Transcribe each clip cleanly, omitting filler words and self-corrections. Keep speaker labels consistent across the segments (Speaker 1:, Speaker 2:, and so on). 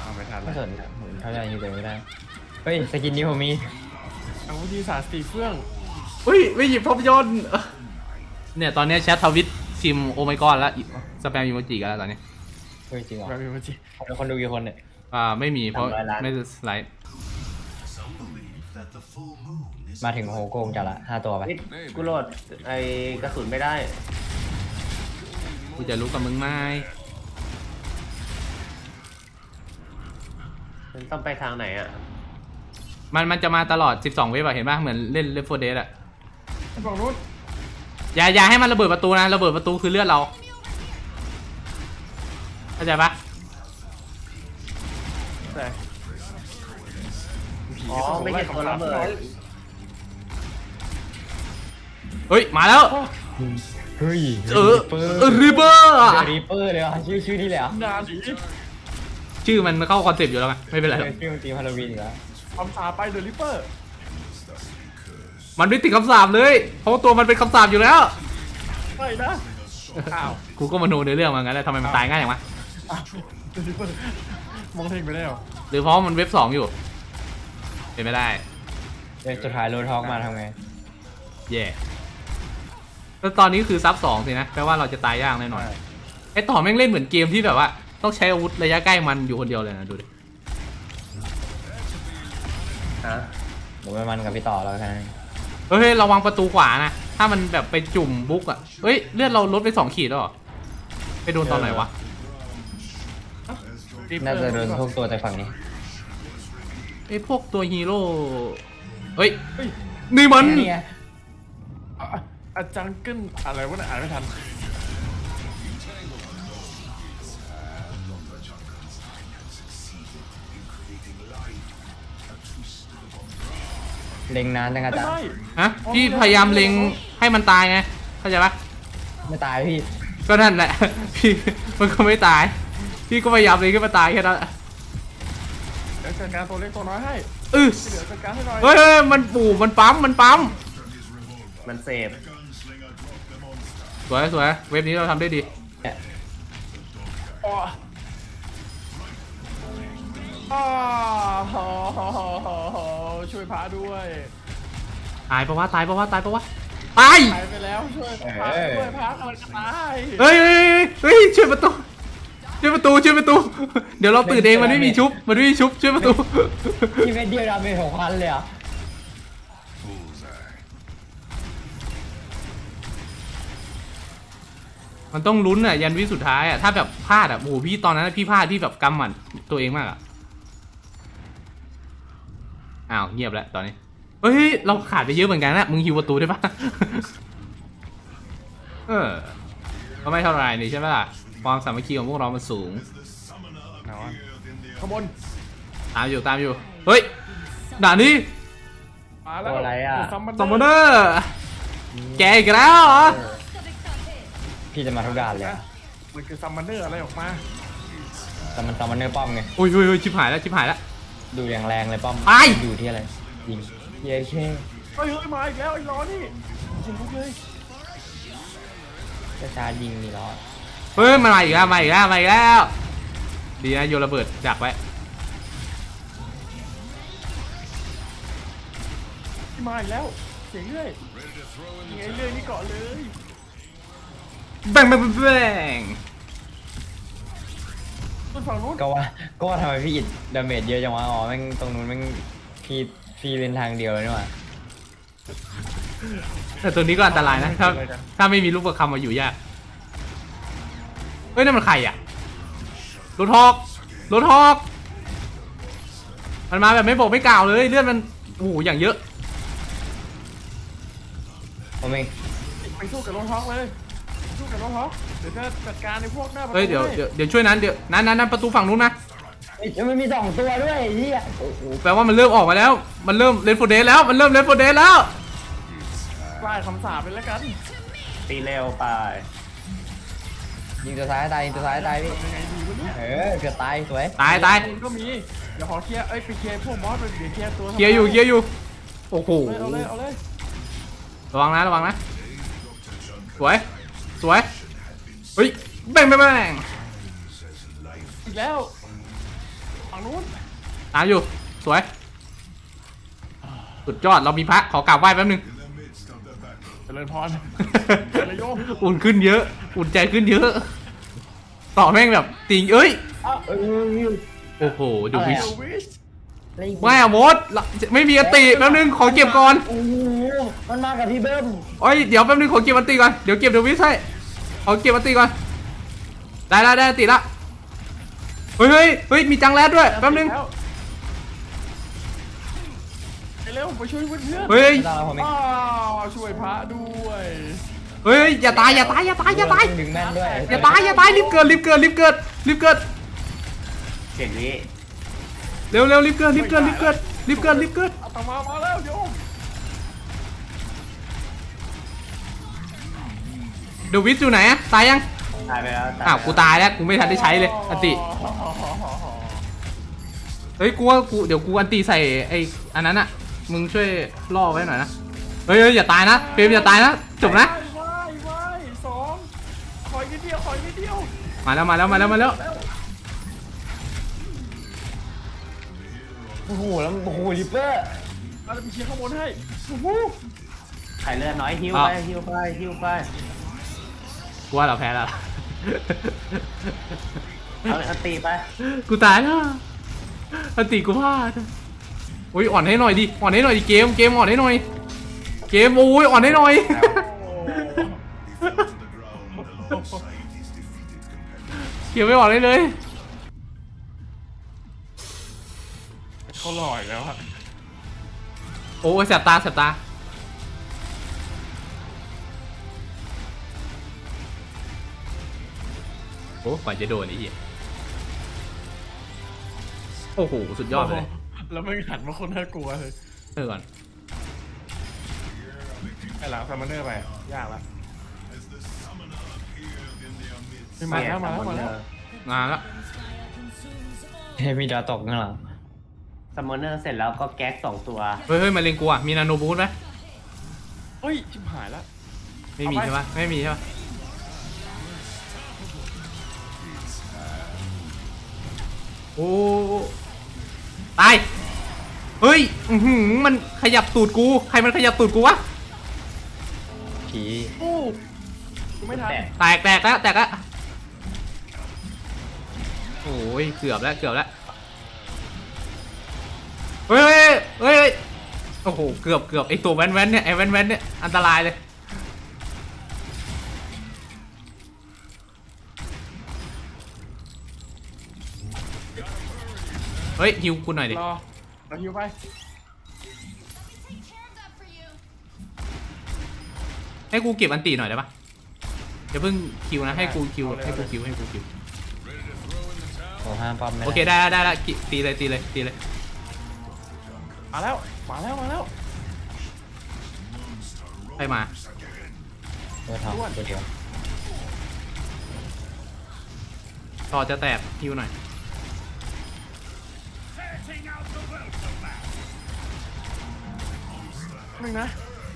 Speaker 1: เอาไม่ทัน
Speaker 2: ไม่
Speaker 1: แล้ว
Speaker 2: สนอะผมเข้าใจอยู่แต่ไม่ได้เฮ้ยสกินนี้ผมมี
Speaker 1: อาวุธที่ศาสตร์ตีเฟื่อง
Speaker 3: อุ้ยไม่หยิบภาพยนตร์เนี่ยตอนนี้แชททวิตชิมโอไมกอนแล้วสแปมอีโมจิกันแล้วตอนนี้
Speaker 2: เฮ้ยจริงเหรอ
Speaker 1: แบบนี้มันจี
Speaker 2: คนดูกี่คนเนี่ย
Speaker 3: ไม่มีเพราะ
Speaker 2: 300 ล้าน
Speaker 3: ไม่ได้สไลด์
Speaker 2: มาถึงโฮโกงจัดละ5 ตัวไป
Speaker 4: นี่กูโหลดไอ้กระสุนไม่ได้
Speaker 3: กูจะรู้กับมึงไหม
Speaker 4: มันต้องไปทางไหนอ่ะ
Speaker 3: มันจะมาตลอด12เวฟอะเห็นป่ะเหมือนเล่นLeft 4 Deadอะ
Speaker 1: ฝั่งนู้น
Speaker 3: อย่าให้มันระเบิดประตูนะระเบิดประตูคือเลือดเราเข้าใจปะ
Speaker 1: แต่ผี
Speaker 4: อ๋อไม่ใช่ตัวระเบิด
Speaker 3: เฮ้ยมาแล้ว
Speaker 2: เฮ้ย
Speaker 3: รีเบอร์
Speaker 2: รีเปอร์เลยเหรอชื่อนี่เลยเหรอ
Speaker 1: นาผี
Speaker 3: ชื่อมันเข้าคอนเซปต์อยู่แล้วไงไม่เป็นไรหรอก
Speaker 2: ชื่อมันตีมฮาโลวีนอีกแล้ว
Speaker 1: คำสาปไปเดอะริปเปอร์
Speaker 3: มันไม่ติดคำสาปเลยเพราะว่าตัวมันเป็นคำสาปอยู่แล้ว
Speaker 1: ไม่นะอ้าว
Speaker 3: กูก็มโนในเรื่องมางั้นแหละทำไมมันตายง่ายอย่างวะ
Speaker 1: เดอะริปเปอร์มองเท่งไปแล้ว
Speaker 3: หรือเพราะมันเว็บ2อยู่เป็นไม่ได้
Speaker 2: เดี๋ยวสุดท้ายโรดฮอกมาทำไง
Speaker 3: แย่แล้วตอนนี้คือซับ2สินะแปลว่าเราจะตายยากแน่นอนไอ้ต่อแม่งเล่นเหมือนเกมที่แบบว่าต้องใช้อาวุธระยะใกล้มันอยู่คนเดียวเลยนะดูดิ
Speaker 4: ฮะ
Speaker 2: ผมไปมันกับพี่ต่อแล้วกัน
Speaker 3: เฮ้ยระวังประตูขวานะถ้ามันแบบไปจุ่มบุ๊กอะเฮ้ยเลือดเราลดไป2 ขีดแล้วเหรอไปโดนตอนไหนวะ
Speaker 2: น่าจะโดนพวกตัวจากฝั่งนี้
Speaker 3: ไอ้พวกตัวฮีโร่เฮ้ยนี่มัน
Speaker 2: นี่ไง
Speaker 1: อาจังกึ้นอะไรวะเนี่ยอ่านไม่ทัน
Speaker 2: เล็งนานจังอาจารย์
Speaker 1: ไม่
Speaker 3: ฮะพี่พยายามเล็งให้มันตายไงเข้าใจปะ
Speaker 2: ไม่ตายพี่
Speaker 3: ก็นั่นแหละ พี่มันก็ไม่ตาย พี่ก็พยายามเล็งให้มันตายแค่นั้นแหละ
Speaker 1: เดี๋ยวจัดการตัวเล็กตัวน้อยให้
Speaker 3: เออ
Speaker 1: ที่เหลือจัดการให้หน่อย
Speaker 3: เฮ้ยมันปู่มันปั๊ม
Speaker 4: มันเสพ
Speaker 3: สวยเว็บนี้เราทำได้ดี
Speaker 1: อ๋ออ๋อช่วยพาด้วย
Speaker 3: ตายปะวะตาย
Speaker 1: ตายไปแล้วช่วยพาด้วยพาก่อนจะตาย
Speaker 3: เฮ้ยช่วยประตูเดี๋ยวเราตื่นเองมันไม่มีชุบช่วยประตู
Speaker 2: พี่เม็ดเดียวดาเมจ6,000เลยเหรอ่ะ
Speaker 3: มันต้องลุ้นอ่ะยันวิสุดท้ายอ่ะถ้าแบบพลาดอ่ะโอ้โหพี่ตอนนั้นพี่พลาดพี่แบบกำหมัดตัวเองมากอ่ะอ้าวเงียบแล้วตอนนี้เฮ้ยเราขาดไปเยอะเหมือนกันนะมึงฮิวประตูได้ปะ ก็ไม่เท่าไรนี่ใช่ไหมล่ะความสามัคคีของพวกเรามันสูง
Speaker 1: ขบวน
Speaker 3: ตามอยู่เฮ้ยด่านนี้
Speaker 1: มาแล้ว
Speaker 2: อะไรอ่ะ
Speaker 3: ซอมมอนเนอร์แกอีกแล้วเหรอ
Speaker 2: พี่จะมาทุกด่านเลยอะ
Speaker 1: มันคือซัมมอนเนอร์อะไรออกมา
Speaker 2: แต่มันตอนมันเนื้อป้อมไง
Speaker 3: อุ้ยชิบหายแล้ว
Speaker 2: ดูอย่างแรงเลยป้อม
Speaker 3: ไป
Speaker 2: อยู่ที่อะไรยิงเย้เช่
Speaker 1: เฮ้ยมาอีกแล้วไอ้ล้อนี่จริงพวกเลย
Speaker 2: จะชายิงนี่ล้อ
Speaker 3: เฮ้ยมันมาอีกแล้วดีนะโยนระเบิดดักไว้
Speaker 1: มาอีกแล้วเสียงเรื่อยยังไงเรื่อยนี่เกาะเลย
Speaker 3: แบ่ง
Speaker 1: ต้นฝั่งนู้น
Speaker 2: ก็ว่าทำไมพี่อิดดาเมจเยอะจังวะอ๋อแม่งตรงนู้นแม่งพี่เป็นทางเดียวเลยนี่หว่า
Speaker 3: แต่ตัวนี้ก็อันตรายนะถ้าไม่มีลูกประคำมาอยู่ยากเฮ้ยนั่นมันใครอ่ะรถฮอกมันมาแบบไม่บอกไม่กล่าวเลยเลือดมันโอ้โหอย่างเยอะ
Speaker 2: ผมเอง
Speaker 1: ไปสู้กับรถฮอกเลยสู้กับรถฮอกเดี๋ยวจะจัดการในพวกหน้าประตู
Speaker 3: เฮ้ยเดี๋ยวช่วยนั้นนั้นประตูฝั่งนู้นนะ
Speaker 2: เฮ้ยมันมี2 ตัวด้วยไอ้เหี้ย
Speaker 3: โอ้โหแปลว่ามันเริ่มออกมาแล้วมันเริ่มเลนโฟเดสแล้ว
Speaker 1: ไล่คำสาปไปแล้วกัน
Speaker 4: ตีเร็วไป
Speaker 2: ยิงตัวซ้ายตายพี่
Speaker 1: ยังไงดีวะเนี่ย
Speaker 2: เกือบตายสวย
Speaker 3: ตาย
Speaker 1: มันก็มีเดี๋ยวขอเคลียร์ไปเคลียร์พวกมอสเดี๋ยวเคลียร์ตัว
Speaker 3: เคลียร์อยู่โอ้โห
Speaker 1: เอาเลย
Speaker 3: ระวังนะสวยเฮ้ยแบ่ง
Speaker 1: อีกแล้วฝั่งนู้น
Speaker 3: ตามอยู่สวยสุดยอดเรามีพระขอกราบไหว้แป๊บนึง
Speaker 1: เจริญพรเจริญโยม
Speaker 3: อุ่นขึ้นเยอะ อุ่นใจขึ้นเยอะ ต่อแม่งแบบติงเอ้ย
Speaker 2: เอ้ย
Speaker 3: โอ้โหดูวิช
Speaker 1: เดวิส
Speaker 3: ไม่อะมดไม่มีอติแป๊บนึงขอเก็บก่อน
Speaker 2: โอ้โหมันมากับพี่เบิ้ม
Speaker 3: โอ้ยเดี๋ยวแป๊บนึงขอเก็บอติก่อนเดี๋ยวเก็บเดวิสให้ขอเก็บอติก่อนได้อติละเฮ้ยมีจังแรดด้วยแป๊บนึง
Speaker 1: ไปเร็วไปช่วยเพื่อน
Speaker 3: เฮ้ย
Speaker 2: ดาวผมเอง
Speaker 1: อ้าวช่วยพระด้วย
Speaker 3: เฮ้ยอย่าตาย
Speaker 2: ดึงแม่นด้วย
Speaker 3: อย่าตายรีบเกิดเ
Speaker 4: เจ็ดวิ
Speaker 3: ร็วรีบเกิด
Speaker 1: เอาตมาแล้วโยม
Speaker 3: เดวิสอยู่ไหนอะตายยัง
Speaker 4: ตายไปแล้ว
Speaker 3: อ้าวกูตายแล้วกูไม่ทันได้ใช้เลยอันติเฮ้ยกูว่าเดี๋ยวกูอันติใส่ไอ้อันนั้นอะมึงช่วยล่อไว้หน่อยนะเฮ้ยอย่าตายนะเฟรมอย่าตายนะจบนะ
Speaker 1: ว้ายสองคอยนิดเดียว
Speaker 3: มาแล้ว
Speaker 2: โอ้โหแล้วโอ้โหลิปเปอร์
Speaker 1: เราจะไปเคลียร์ข้างบนให้โอ้โห
Speaker 4: ไข่เลือดน้อยฮิวไป
Speaker 3: กูว่าเราแพ้แล้ว
Speaker 4: เอาตีไป
Speaker 3: กูตายแล้วอันติกูพลาดโอ้ยอ่อนให้หน่อยดิเกมอ่อนให้หน่อยเกมโอ้ยอ่อนให้หน่อยเกมไม่อ่อนได้เลย
Speaker 1: เขาหล่อยแล้วอะ
Speaker 3: โอ้ยแสบตาโอ้กว่าจะโดนไอ้เหี้ยโอ้โหสุดยอดเลย
Speaker 1: แล้วไม่หันมาคนน่ากลัวเลย
Speaker 3: ก่อน
Speaker 1: ไอ้หลังซัมมอนเนอร์ไปยากละมาแล้ว
Speaker 3: งานละ
Speaker 2: เฮ้ยมีดาวตกข้างหลัง
Speaker 4: ซัมมอนเนอร์เสร็จแล้วก็แก๊ก2 ตัว
Speaker 3: เฮ้ยมาเลงกูอ่ะมีนาโนบูทไหม
Speaker 1: เฮ้ยชิบหายแล้ว
Speaker 3: ไม่มีใช่ปะไม่มีใช่ปะโอ้ตายเฮ้ยมันขยับตูดกูใครมันขยับตูดกูวะ
Speaker 2: ผี
Speaker 1: โอ้กูไม่ทัน
Speaker 3: แตกแล้วโอ้ยเกือบแล้วเฮ้ยโอ้โหเกือบไอตัวแว้นเนี่ยไอแว้นเนี่ยอันตรายเลยเฮ้ยฮิวกูหน่อยดิ
Speaker 1: รอเราฮิวไป
Speaker 3: ให้กูเก็บอันตีหน่อยได้ปะอย่าเพิ่งคิวนะให้กูคิว
Speaker 2: โอ้ห้ามป้อมไม่ได้
Speaker 3: โอเคได้ละตีเลย
Speaker 1: มาแล้ว
Speaker 3: ไปมา
Speaker 2: ตัวทองตัวเดียว
Speaker 3: ต่อจะแตกฮิวหน่อย
Speaker 1: นึงนะ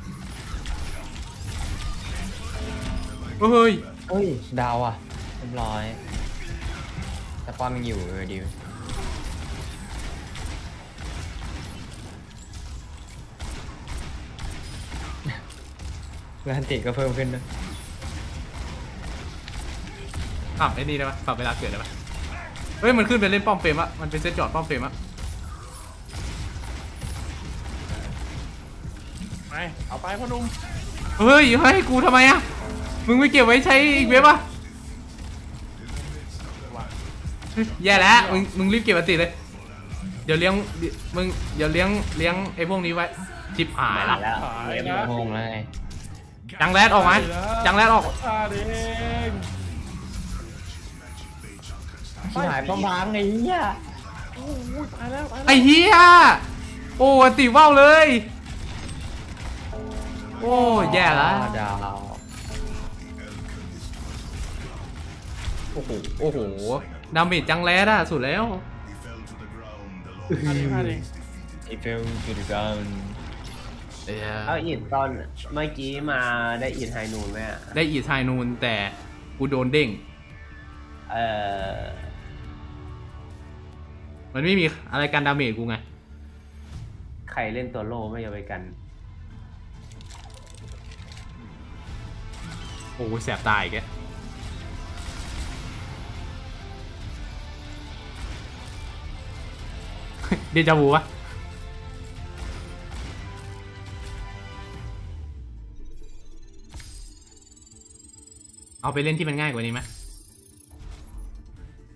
Speaker 3: เฮ้ย
Speaker 2: เฮ้ยดาวอ่ะเรียบร้อยแต่ป้อมยังอยู่ดิวแล้วอันติก็เพิ่มขึ้นด้วย
Speaker 3: ปรับไอ้นี่ได้ปะปรับเวลาเกิดได้ปะเฮ้ยมันขึ้นไปเล่นป้อมเฟรมอะมันเป็นเซตจอดป้อมเฟรมอะ
Speaker 1: ไปเอาไปพ่อหนุ่ม
Speaker 3: เฮ้ยให้กูทำไมอะมึงไม่เก็บไว้ใช้อีกเว็บอะแย่แล้วมึงรีบเก็บอันติเลยเดี๋ยวเลี้ยงไอ้พวกนี้ไว้ชิปหายละ
Speaker 4: แล้ว
Speaker 1: หายนะ
Speaker 2: งงแล้วไง
Speaker 3: จังแรดออกไหมจังแรดออก
Speaker 1: ตาเด้ง
Speaker 2: ชิบหายป้อมพังไอ้เหี้ย
Speaker 1: โอ้ยตายแล้ว
Speaker 3: ไอ้เหี้ยโอ้อันติว่าวเลยโอ้แย่ละ
Speaker 2: ดาว
Speaker 3: โอ้โหดาเมจจังแรดอะสุดแล้ว
Speaker 1: พาเด้ง
Speaker 2: ไอ้เฟลจุดกัน
Speaker 4: เอาอินตอนเมื่อกี้มาได้อินไฮนูนไหมอะ
Speaker 3: ได้อีทายนูนแต่กูโดนเด้ง
Speaker 4: เออ
Speaker 3: มันไม่มีอะไรกันดาเมจกูไง
Speaker 4: ใครเล่นตัวโล่ไม่ยอมไปกัน
Speaker 3: โอ้ยแสบตายอีกแกเดจาวูปะเอาไปเล่นที่มันง่ายกว่านี้ไหม